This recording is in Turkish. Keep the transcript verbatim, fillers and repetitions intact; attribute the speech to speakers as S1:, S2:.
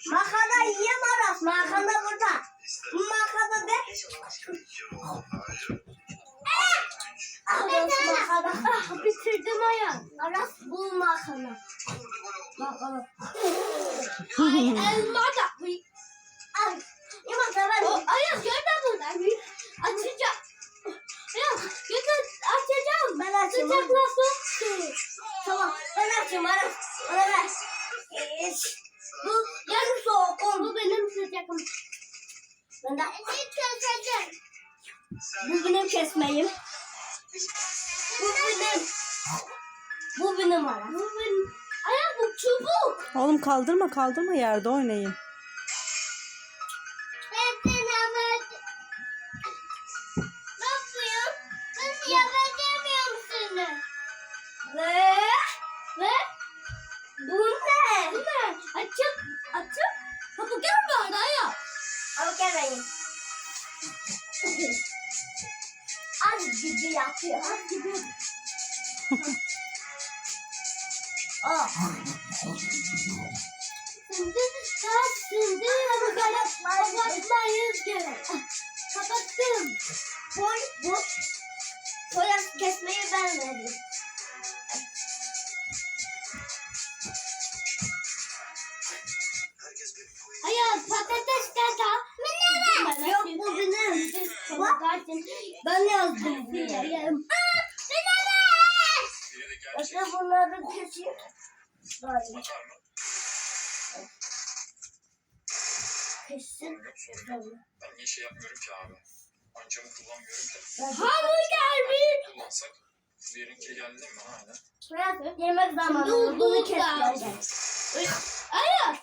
S1: Makarna yiyem Aras. Makarna burada. Bu makarna de. Aras makarna. Ah, bitirdim ayağım. Aras bu makarna. Makarna. Ay elma da. Ay. Yumurta ben. Ayaz gör de buradan. Açacağım. Ya götür açacağım. Ben açayım. Sıcaklasın. Tamam ben açayım Aras. Bana ver. Bu yarım soğuk. Bu benim sıcakım. Ben de keseceğim. Bu benim kesmeyim. Bu benim. Bu benim Aras. Bu benim. Ayaz bu çubuk.
S2: Oğlum kaldırma kaldırma yerde oynayın.
S1: Ve ve bu ne? Bu ne? Açık açık. Hamburger mi orada ya? Hamburger benim. Az gibi yapıyor. Az gibi. Aa. Şimdi saat şimdi hamburger kapatmayız gerek. Kapattım. Boy bu. Soya kesmeyi ben verdim. Hayır patates kata. Benim. Yok bu benim. Bak ben yazdım. Benim. Bakın bunları keseyim. Böyle. Kesin.
S3: Ben niye şey yapmıyorum ki abi? Ancamı kullanmıyorum ki.
S1: Hamburger mi?
S3: Kullansak diğerinki geldi mi hala?
S1: Şuraya yemek zamanı. Bunu kesmeyeceğim. Hayır.